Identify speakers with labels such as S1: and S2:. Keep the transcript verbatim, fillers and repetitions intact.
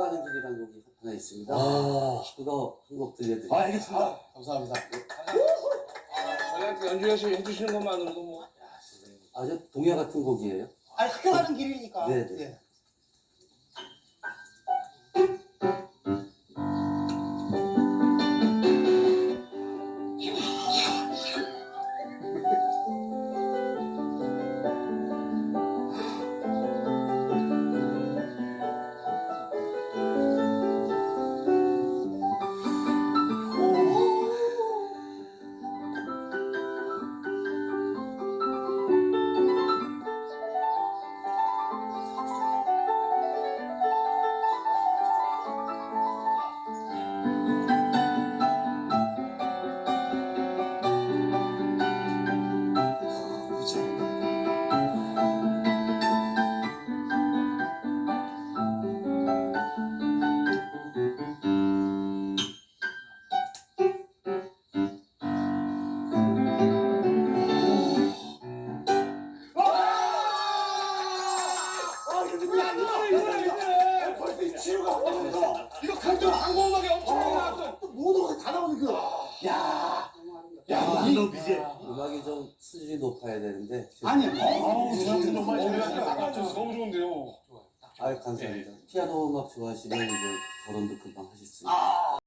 S1: 가는 길이라는 곡이 하나 있습니다.
S2: 아.
S1: 그거 한 곡 들려드릴게요.
S2: 아, 알겠습니다. 감사합니다.
S3: 저희한테 연주해 주시는 것만으로도 뭐.
S1: 아주 동요 같은 곡이에요.
S4: 아니 학교 가는 길이니까.
S1: 네, 네.
S4: 예.
S2: 이거 강조 한국 음악에 엄청나게 나왔어.
S4: 모든 것이 다 나오는 그.
S2: 야, 야, 이거 비제.
S1: 음악이 좀 수준이 높아야 되는데.
S4: 아니,
S2: 아우, 저한테 정말
S3: 어,
S2: 재미가
S3: 딱 맞췄어. 너무 좋은데요.
S1: 아, 감사합니다. 피아노 음악 좋아하시면 이제 결혼도 금방 하실 수 있어요.
S4: 아.